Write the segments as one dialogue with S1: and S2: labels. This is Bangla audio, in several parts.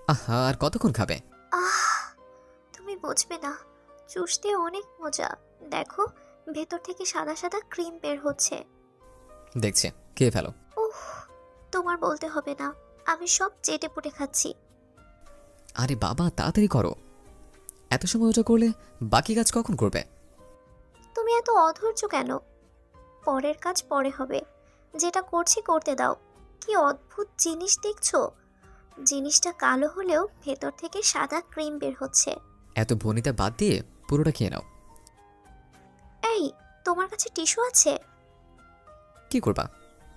S1: আহা, আর কতক্ষণ খাবে?
S2: আহ, তুমি বুঝবে না, চুষতে অনেক মজা। দেখো, ভেতর থেকে সাদা সাদা ক্রিম বের হচ্ছে।
S1: দেখছি, খেয়ে ফেলো।
S2: উফ, তোমার বলতে হবে না, আমি সব চেটে পুটে খাচ্ছি।
S1: আরে বাবা, তাড়াতাড়ি করো। এত সময় ওটা করলে বাকি কাজ কখন করবে?
S2: তুমি এত অধৈর্য কেন? পরের কাজ পরে হবে, যেটা করছি করতে দাও। কি অদ্ভুত জিনিস দেখছো? জিনিসটা কালো হলেও ভেতর থেকে সাদা ক্রিম বের হচ্ছে।
S1: এত ভনিতা বাদ দিয়ে পুরোটা খেয়ে নাও।
S2: এই, তোমার কাছে টিস্যু আছে?
S1: কি করবা?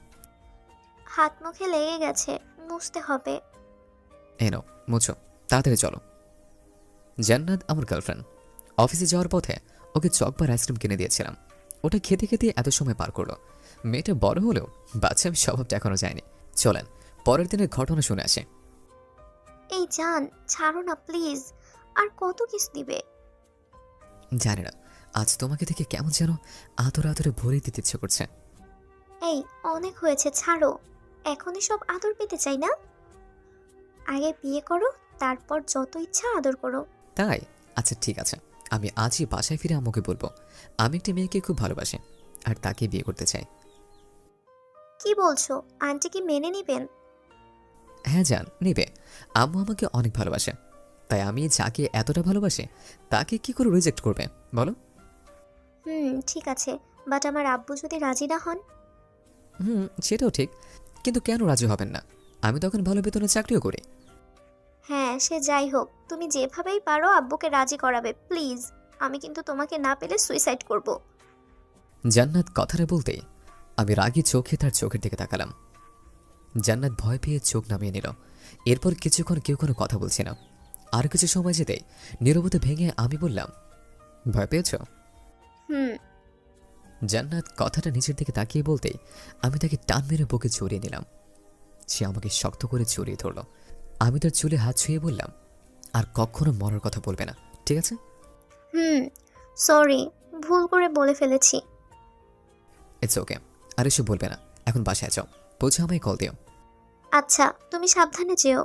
S2: হাত মুখে লেগে গেছে, মুছতে হবে।
S1: এই নাও, মুছো। তাড়াতাড়ি চলো। জান্নাত আমার গার্লফ্রেন্ড। অফিসে যাওয়ার পথে ওকে চকবার আইসক্রিম কিনে দিয়েছিলাম। ওটা খেতে খেতে এত সময় পার করলো। মেয়েটা বড় হলেও বাচ্চা স্বভাবটা এখনো যায়নি। চলেন পরের দিনের ঘটনা শুনে আসে।
S2: এই জান, ছাড়ো না প্লিজ। আর কত কিছু দিবে?
S1: জানি না, আজ তোমাকে দেখে কেমন যেন আদরে আদরে ভরে দিতে ইচ্ছে করছে।
S2: এই, অনেক হয়েছে, ছাড়ো। এখনই সব আদর পেতে চাই না। আগে বিয়ে করো, তারপর যত ইচ্ছা আদর করো।
S1: তাই? আচ্ছা ঠিক আছে, আমি আজই বাসায় ফিরে আম্মুকে বলবো আমি একটি মেয়েকে খুব ভালোবাসি আর তাকে বিয়ে করতে চাই।
S2: কি বলছো? আন্টি কি মেনে নিবেন?
S1: হ্যাঁ জান, নেবে। আম্মু আমাকে অনেক ভালোবাসে, তাই আমি যাকে এতটা ভালোবাসি তাকে কি করে রিজেক্ট করবে বলো?
S2: ঠিক আছে, বাট আমার আব্বু যদি রাজি না হন?
S1: সেটাও ঠিক, কিন্তু কেন রাজি হবেন না? আমি তখন ভালো বেতনে চাকরিও করি।
S2: হ্যাঁ, সে যাই হোক, তুমি যেভাবেই পারো আব্বুকে রাজি করাবে প্লিজ। আমি কিন্তু তোমাকে না পেলে সুইসাইড করব।
S1: জান্নাত কথাটা বলতেই আমি রাগী চোখে তার চোখের দিকে তাকালাম। জান্নাত ভয় পেয়ে চোখ নামিয়ে নিল। এরপর কিছুক্ষণ কেউ কোনো কথা বলছে না। আর কিছু সময় যেতেই নীরবতা ভেঙে আমি বললাম, ভয় পেয়েছ?
S2: হুম।
S1: জান্নাত কথাটা নিচের দিকে তাকিয়ে বলতেই আমি তাকে টান মেরে বুকে জড়িয়ে নিলাম। সে আমাকে শক্ত করে জড়িয়ে ধরল। আমি তার চুলে হাত ছুঁয়ে বললাম, আর কখনো মরার কথা বলবে না, ঠিক আছে?
S2: হুম। সরি, ভুল করে বলে ফেলেছি।
S1: It's okay. আর এসব বলবে না, এখন বাসায় যাও, পৌঁছে আমায় কল দিও।
S2: আচ্ছা, তুমি সাবধানে যেও।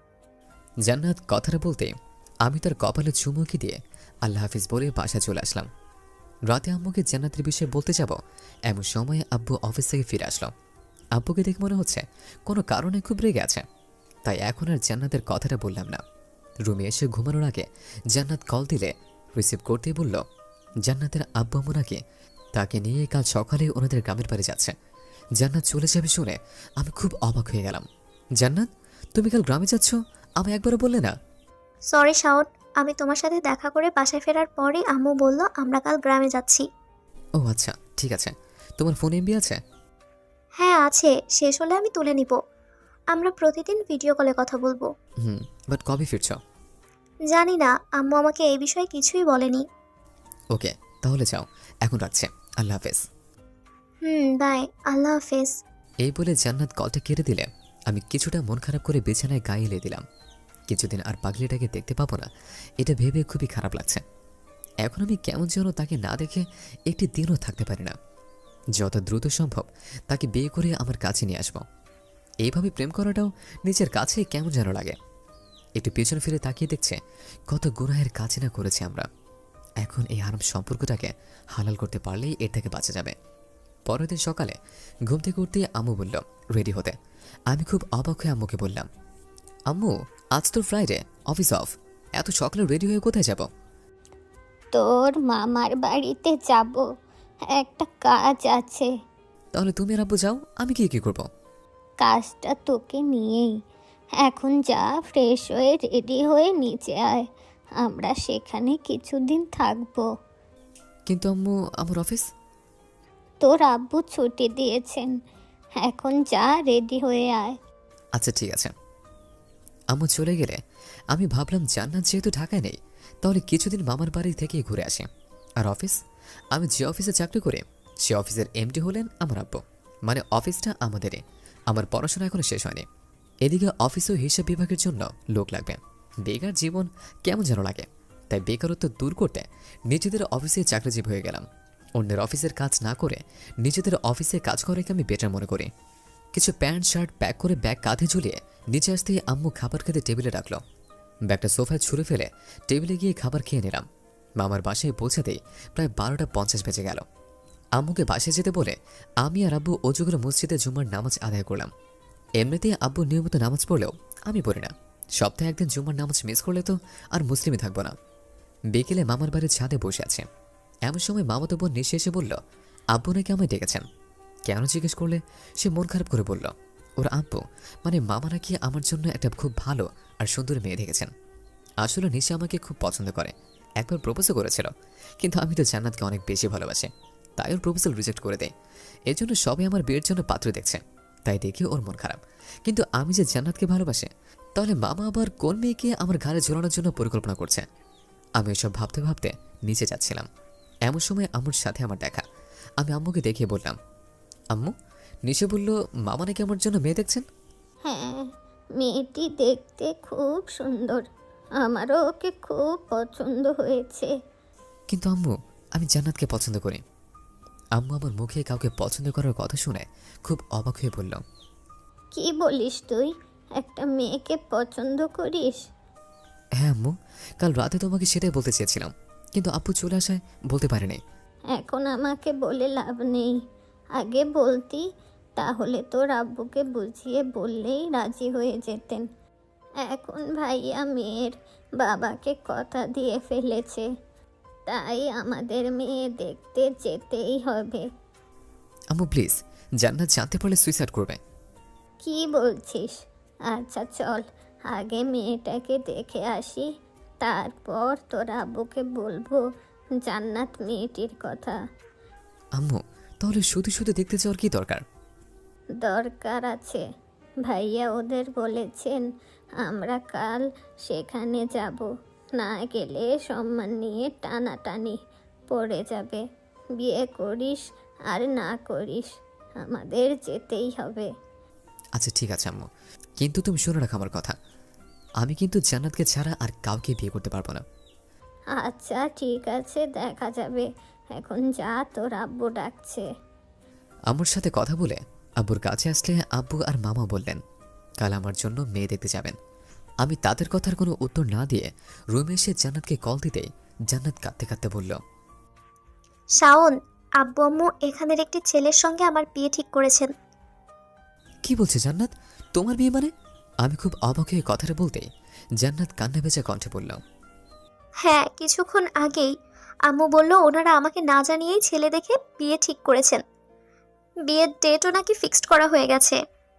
S1: জান্নাত কথাটা বলতে আমি তার কপালে চুমুকি দিয়ে আল্লাহ হাফিজ বলে বাসায় চলে আসলাম। রাতে আম্মুকে জান্নাতের বিষয়ে বলতে যাব, এমন সময়ে আব্বু অফিস থেকে ফিরে আসলো। আব্বুকে দেখে মনে হচ্ছে কোনো কারণে খুব রেগে আছে, তাই এখন আর জান্নাতের কথাটা বললাম না। রুমে এসে ঘুমানোর আগে জান্নাত কল দিলে রিসিভ করতেই বলল, জান্নাতের আব্বু আম্মু নাকি তাকে নিয়ে কাল সকালে ওনাদের গ্রামের বাড়ি যাচ্ছে। জান্নাত চলে যাবে শুনে আমি খুব অবাক হয়ে গেলাম। জান্নাত, তুমি কাল গ্রামে যাচ্ছ, আমি একবারও বললে না?
S2: সরি শাওন, আমি তোমার সাথে দেখা করে বাসায় ফেরার পরে আম্মু বলল আমরা কাল গ্রামে যাচ্ছি।
S1: ও আচ্ছা, ঠিক আছে। তোমার ফোন এমবি আছে?
S2: হ্যাঁ আছে, শেষ হলে আমি তুলে নিব। আমরা প্রতিদিন ভিডিও কলে কথা বলবো।
S1: হুম, বাট কবে ফিরছ?
S2: জানি না, আম্মু আমাকে এই বিষয়ে কিছুই বলেনি।
S1: ওকে, তাহলে যাও, এখন রাখছে। আল্লাহ হাফেজ।
S2: বাই। আল্লাহ হাফেজ।
S1: এই বলে জান্নাত কলটা কেটে দিলে আমি কিছুটা মন খারাপ করে বিছানায় গায়ে এলে দিলাম। কিছুদিন আর পাগলিটাকে দেখতে পাবো না, এটা ভেবে খুবই খারাপ লাগছে। এখন আমি কেমন যেন তাকে না দেখে একটি দিনও থাকতে পারি না। যত দ্রুত সম্ভব তাকে বিয়ে করে আমার কাছে নিয়ে আসবো। এইভাবে প্রেম করাটাও নিজের কাছেই কেমন যেন লাগে। একটু পেছন ফিরে তাকিয়ে দেখছে কত গুনাহের কাছে না করেছি আমরা। এখন এই হারাম সম্পর্কটাকে হালাল করতে পারলেই এর থেকে বাঁচা যাবে। পরের দিন সকালে ঘুম থেকে উঠতেই আম্মু বলল রেডি হতে। আমি খুব অবাক হয়ে আম্মুকে বললাম, আম্মু, আজ তো ফ্রাইডে, অফিস অফ, এত সকালে রেডি হয়ে কোথায় যাব?
S3: তোর মামার বাড়িতে যাব, একটা কাজ আছে।
S1: তাহলে তুমি আর আব্বু যাও, আমি কি করব?
S3: কাজটা তোকে নিয়েই। এখন যা, ফ্রেশ হয়ে রেডি হয়ে নিচে আয়, আমরা সেখানে কিছুদিন থাকবো।
S1: কিন্তু আম্মু, আমার অফিস।
S3: তোর আব্বু ছুটি দিয়েছেন, এখন যা, রেডি হয়ে আয়।
S1: আচ্ছা ঠিক আছে। আম্মু চলে গেলে আমি ভাবলাম জান্নাত যেহেতু ঢাকায় নেই, তাহলে কিছুদিন মামার বাড়ি থেকেই ঘুরে আসি। আর অফিস, আমি যে অফিসে চাকরি করি সে অফিসের এমডি হলেন আমার আব্বু। মানে অফিসটা আমাদেরই। আমার পড়াশোনা এখনো শেষ হয়নি। এদিকে অফিস ও হিসাব বিভাগের জন্য লোক লাগবে। বেকার জীবন কেমন যেন লাগে, তাই বেকারত্ব দূর করতে নিজেদের অফিসে চাকরিজীবী হয়ে গেলাম। অন্যের অফিসের কাজ না করে নিজেদের অফিসে কাজ করাকে আমি বেটার মনে করি। কিছু প্যান্ট শার্ট প্যাক করে ব্যাগ কাঁধে ঝুলিয়ে নিচে আসতেই আম্মু খাবার খেতে টেবিলে রাখলো। ব্যাগটা সোফায় ছুঁড়ে ফেলে টেবিলে গিয়ে খাবার খেয়ে নিলাম। মামার বাসায় পৌঁছাতেই প্রায় 12:50 বেজে গেল। আম্মুকে বাসায় যেতে বলে আমি আর আব্বু অজু করে মসজিদে জুম্মার নামাজ আদায় করলাম। এমনিতেই আব্বু নিয়মিত নামাজ পড়লেও আমি পড়ি না। সপ্তাহে একদিন জুম্মার নামাজ মিস করলে তো আর মুসলিমই থাকবো না। বিকেলে মামার বাড়ির ছাদে বসে আছে। এমন সময় মামাতো বোন নিশে এসে বলল আব্বু নাকি আমায় ডেকেছেন। কেন জিজ্ঞেস করলে সে মন খারাপ করে বলল ওর আব্বু মানে মামা নাকি আমার জন্য একটা খুব ভালো আর সুন্দর মেয়ে দেখেছেন। আসলে নিশা আমাকে খুব পছন্দ করে, একবার প্রপোজও করেছিল, কিন্তু আমি তো জান্নাতকে অনেক বেশি ভালোবাসি, তাই ওর প্রপোজাল রিজেক্ট করে দেয়। এর জন্য সবাই আমার বিয়ের জন্য পাত্র দেখছে, তাই দেখে ওর মন খারাপ। কিন্তু আমি যে জান্নাতকে ভালোবাসি, তাহলে মামা আবার কোন মেয়েকে আমার ঘাড়ে ঝোলানোর জন্য পরিকল্পনা করছে। আমি এসব ভাবতে ভাবতে নিচে যাচ্ছিলাম। এমন সময় আম্মুর সাথে আমার দেখা। আমি আম্মুকে দেখিয়ে বললাম আম্মু, নিশে বলল মামা নাকি আমার জন্য মেয়ে দেখছেন।
S3: হ্যাঁ, মেয়েটি দেখতে খুব সুন্দর, আমারও ওকে খুব পছন্দ হয়েছে।
S1: কিন্তু আম্মু, আমি জান্নাতকে পছন্দ করি। আম্মু আমার মুখে কাউকে পছন্দ করার কথা শুনে খুব অবাক হয়ে বলল
S3: কি বলিস তুই, একটা মেয়েকে পছন্দ করিস?
S1: হ্যাঁ আম্মু, কাল রাতে তোমাকে সেটাই বলতে চেয়েছিলাম, কিন্তু আব্বু চলে আসায় বলতে পারেনি।
S3: এখন আমাকে বলে লাভ নেই, আগে বলতি, তাহলে তোর আব্বুকে বুঝিয়ে বললেই রাজি হয়ে যেতেন। এখন ভাইয়া মেয়ের বাবাকে কথা দিয়ে ফেলেছে, তাই আমাদের মেয়ে দেখতে যেতেই হবে।
S1: আম্মু প্লিজ, জান্নাত জানতে পারলে সুইসাইড করবে।
S3: কি বলছিস? আচ্ছা চল, আগে মেয়েটাকে দেখে আসি, তারপর তোর আব্বুকে বলবো জান্নাত মেয়েটির কথা।
S1: আম্মু, তাহলে শুধু শুধু দেখতে যাওয়ার কি দরকার?
S3: দরকার আছে, ভাইয়া ওদের বলেছেন আমরা কাল সেখানে যাব, না গেলে সম্মান নিয়ে টানাটানি পড়ে যাবে। বিয়ে করিস আর না করিস, আমাদের যেতেই হবে।
S1: আচ্ছা ঠিক আছে আম্মু, কিন্তু তুমি শুনে রাখো আমার কথা, আমি কিন্তু জান্নাতকে ছাড়া আর কাউকে বিয়ে করতে পারবো না।
S3: আচ্ছা ঠিক আছে, দেখা যাবে, এখন যা, তোর আব্বু ডাকছে।
S1: আম্মুর সাথে কথা বলে আব্বুর কাছে আসলে আব্বু আর মামা বললেন কাল আমার জন্য মেয়ে দেখতে যাবেন। আমি তাদের কথার কোনো উত্তর না দিয়ে রুমে এসে জান্নাতকে কল দিতেই জান্নাত কাঁদতে কাঁদতে বলল
S2: শাওন, আব্বু আম্মু এখানের একটি ছেলের সঙ্গে আমার বিয়ে ঠিক করেছেন।
S1: কি বলছে জান্নাত, তোমার বিয়ে মানে? আমি খুব অবাক হয়ে কথাটা বলতেই জান্নাত কান্না ভেজা কণ্ঠে বলল
S2: হ্যাঁ, কিছুক্ষণ আগেই আম্মু বলল ওনারা আমাকে না জানিয়েই ছেলে দেখে বিয়ে ঠিক করেছেন। বিয়ের ডেটও নাকি ফিক্সড করা হয়ে গেছে।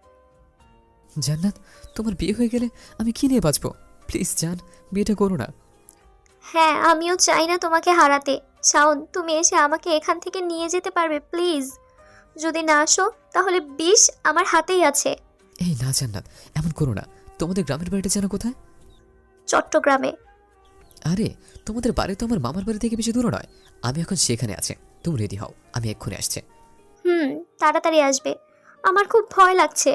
S1: জান্নাত, তোমার বিয়ে হয়ে গেলে আমি কি নিয়ে বাঁচবো? প্লিজ জান, বিয়েটা করো না।
S2: হ্যাঁ, আমিও চাই না তোমাকে হারাতে। শাওন, তুমি এসে আমাকে এখান থেকে নিয়ে যেতে পারবে প্লিজ? যদি না আসো তাহলে বিষ আমার হাতেই আছে।
S1: এই না জান্নাত, এমন করো না। তোমাদের গ্রামের বাড়িটা যেন কোথায়?
S2: চট্টগ্রামে।
S1: আরে, তোমাদের বাড়ি তো আমার মামার বাড়ি থেকে বেশি দূর নয়। আমি এখন সেখানে আছি, তুমি রেডি হও, আমি এক্ষুনি আসছি।
S2: তাড়াতাড়ি আসবে, আমার খুব ভয় লাগছে।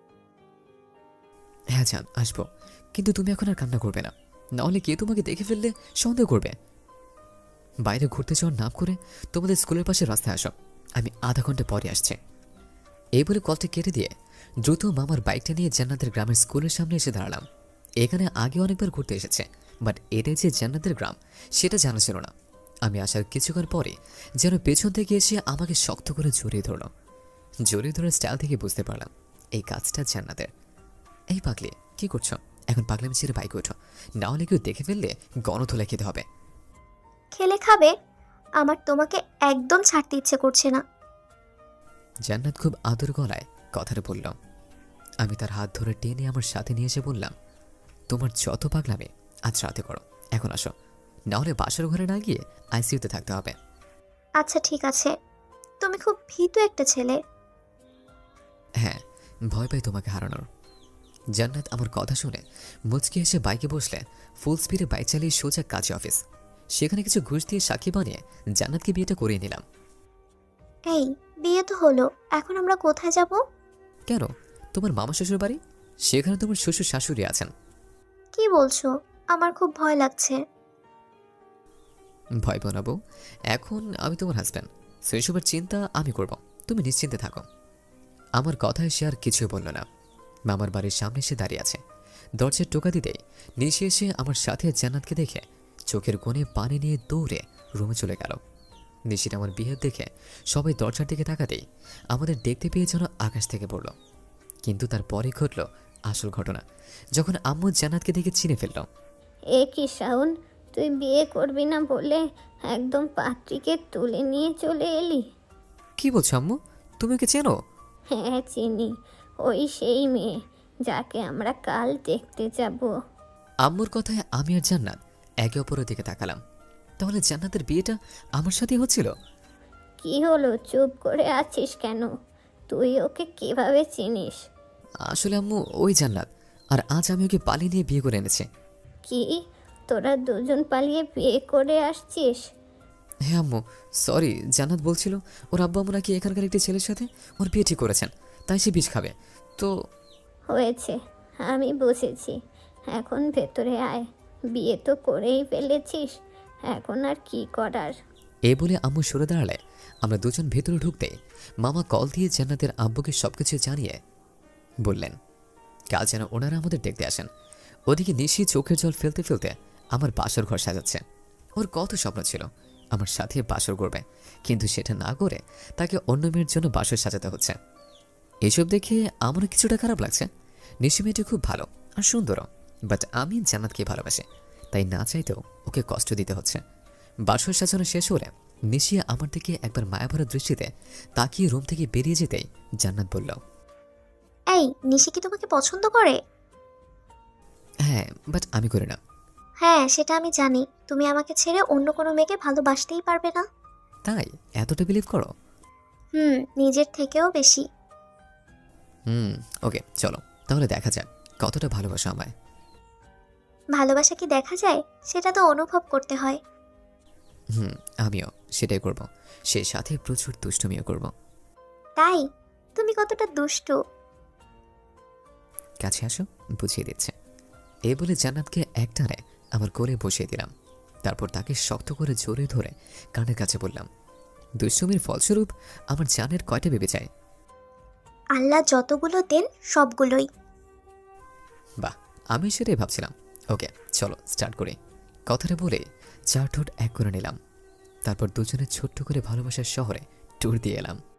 S1: হ্যাঁ জান, আসবো, কিন্তু তুমি এখন আর কান্না করবে না, নাহলে কে তোমাকে দেখে ফেললে সন্দেহ করবে। বাইরে ঘুরতে যাওয়ার নাম করে তোমাদের স্কুলের পাশে রাস্তায় আসো, আমি আধা ঘন্টা পরে আসছি। এই বলে কলটা কেটে দিয়ে দ্রুত মামার বাইকটা নিয়ে জান্নাতের গ্রামের স্কুলের সামনে এসে দাঁড়ালাম। এখানে আগে অনেকবার ঘুরতে এসেছে, বাট এটাই যে জান্নাতের গ্রাম সেটা জানা ছিল না। আমি আসার কিছুক্ষণ পরে যেন পেছন থেকে এসে আমাকে শক্ত করে জড়িয়ে ধরল। জড়িয়ে ধরার স্টাইল থেকে বুঝতে পারলাম এই কাজটা জান্নাতের। এই পাগলি, কি করছো? এখন পাগলামি ছেড়ে বাইকে ওঠো, না হলে কেউ দেখে ফেললে গণধোলা খেতে হবে।
S2: খেলে খাবে, আমার তোমাকে একদম ছাড়তে ইচ্ছে করছে না।
S1: জান্নাত খুব আদর গলায় কথাটা বলল। আমি তার হাত ধরে টেনে আমার সাথে নিয়ে এসে বললাম তোমার যত পাগলামি আজ রাতে করো, এখন আসো, না হলে বাসার ঘরে না গিয়ে আইসিইউতে থাকতে হবে।
S2: আচ্ছা ঠিক আছে, তুমি খুব ভীতু একটা ছেলে।
S1: হ্যাঁ, ভয় পাই তোমাকে হারানোর। জান্নাত আমার কথা শুনে মুচকি এসে বাইকে বসলে ফুল স্পিডে বাইক চালিয়ে সোজা কাছে অফিস। সেখানে কিছু ঘুষ দিয়ে সাক্ষী বানিয়ে জান্নাতকে বিয়েটা করিয়ে নিলাম।
S2: এই, বিয়ে তো হলো, এখন আমরা কোথায় যাব?
S1: কেন, তোমার মামা শ্বশুর বাড়ি, সেখানে তোমার শ্বশুর শাশুড়ি আছেন।
S2: কি বলছো? আমার খুব ভয় লাগছে।
S1: ভয় বানাবো, এখন আমি তোমার হাজব্যান্ড, সেসবের চিন্তা আমি করব, তুমি নিশ্চিন্তে থাকো। আমার কথায় সে আর কিছুই বলল না। মামার বাড়ির সামনে এসে দাঁড়িয়ে আছে। দরজার টোকা দিতেই নিশি এসে আমার সাথে জান্নাতকে দেখে চোখের কোণে পানি নিয়ে দৌড়ে রুমে চলে গেল। নিশির আমার বিহেভ দেখে সবাই দরজার দিকে তাকাতেই আমাদের দেখতে পেয়ে যেন আকাশ থেকে পড়ল। কিন্তু তারপরেই ঘটল আসল ঘটনা, যখন আম্মু জান্নাতকে দেখে চিনে ফেলল।
S3: এ কি শাওন, তুই বিয়ে করবি না বলে একদম পাত্রীকে তুলে নিয়ে চলে এলি?
S1: কি বলছো আম্মু, তুমি ওকে চেনো?
S3: হ্যাঁ চিনি, ওই সেই মেয়ে যাকে আমরা কাল দেখতে যাব।
S1: আম্মুর কথায় আমি আর জান্নাত একে অপরের দিকে তাকালাম। তাহলে জান্নাতের বিয়েটা আমার সাথেই হচ্ছিল?
S3: কি হলো, চুপ করে আছিস কেন? তুই ওকে কিভাবে চিনিস?
S1: আসলে আম্মু ওই জান্নাত, আর আজ আমি ওকে পালিয়ে নিয়ে বিয়ে করে এনেছি।
S3: কি, তোরা দুজন পালিয়ে বিয়ে করে আসছিস?
S1: হ্যাঁ আম্মু, সরি, জান্নাত বলছিল ওর আব্বু আম্মু নাকি এখানকার একটি ছেলের সাথে ওর বিয়ে ঠিক করেছেন, তাই সে বিষ খাবে। তো
S3: হয়েছে, আমি বুঝেছি। এখন ভেতরে আয়, বিয়ে তো করেই ফেলেছিস, এখন আর কি করার?
S1: এই বলে আম্মু সরে দাঁড়ালে আমরা দুজন ভেতরে ঢুকতেই মামা কল দিয়ে জান্নাতের আব্বুকে সবকিছু জানিয়ে বললেন কাল যেন ওনারা আমাদের দেখতে আসেন। ওদিকে নিশি চোখের জল ফেলতে ফেলতে আমার বাসর ঘর সাজাচ্ছে। ওর কত স্বপ্ন ছিল আমার সাথে বাসর করবে, কিন্তু সেটা না করে তাকে অন্য মেয়ের জন্য বাসর সাজাতে হচ্ছে। এসব দেখে আমারও কিছুটা খারাপ লাগছে। নিশি মেয়েটি খুব ভালো আর সুন্দরও, বাট আমি জান্নাতকে ভালোবাসি, তাই না চাইতেও ওকে কষ্ট দিতে হচ্ছে। বাসর সাজানো শেষ হলে নিশি আমার দিকে একবার মায়াভরা দৃষ্টিতে তাকিয়ে রুম থেকে বেরিয়ে যেতেই জান্নাত বলল,
S2: এই নিশি কি তোমাকে পছন্দ করে?
S1: হ্যাঁ, বাট আমি করি না।
S2: হ্যাঁ সেটা আমি জানি, তুমি আমাকে ছেড়ে অন্য কোনো মেয়েকে ভালোবাসতেই পারবে না।
S1: তাই এতটা বিলিভ করো?
S2: নিজের থেকেও বেশি।
S1: ওকে চলো তাহলে দেখা যাক কতটা ভালোবাসা আমায়।
S2: ভালোবাসা কি দেখা যায়? সেটা তো অনুভব করতে হয়।
S1: আমিও সেটাই করব, সে সাথে প্রচুর দুষ্টুমিও করব।
S2: তাই? তুমি কতটা দুষ্টু।
S1: কাছে আসো, বুঝিয়ে দিচ্ছে। এই বলে জান্নাতকে একটানে আমার কোলে বসিয়ে দিলাম। তারপর তাকে শক্ত করে জোরে ধরে কানের কাছে বললাম, দুষ্টুমির ফলস্বরূপ আমার জানের কয়টা বেবি চাই?
S2: আল্লাহ যতগুলো দেন সবগুলোই।
S1: বাহ, আমি সেটাই ভাবছিলাম। ওকে চলো স্টার্ট করি। কথাটা বলে চার ঠোঁট এক করে নিলাম। তারপর দুজনে ছোট্ট করে ভালোবাসার শহরে ট্যুর দিয়ে এলাম।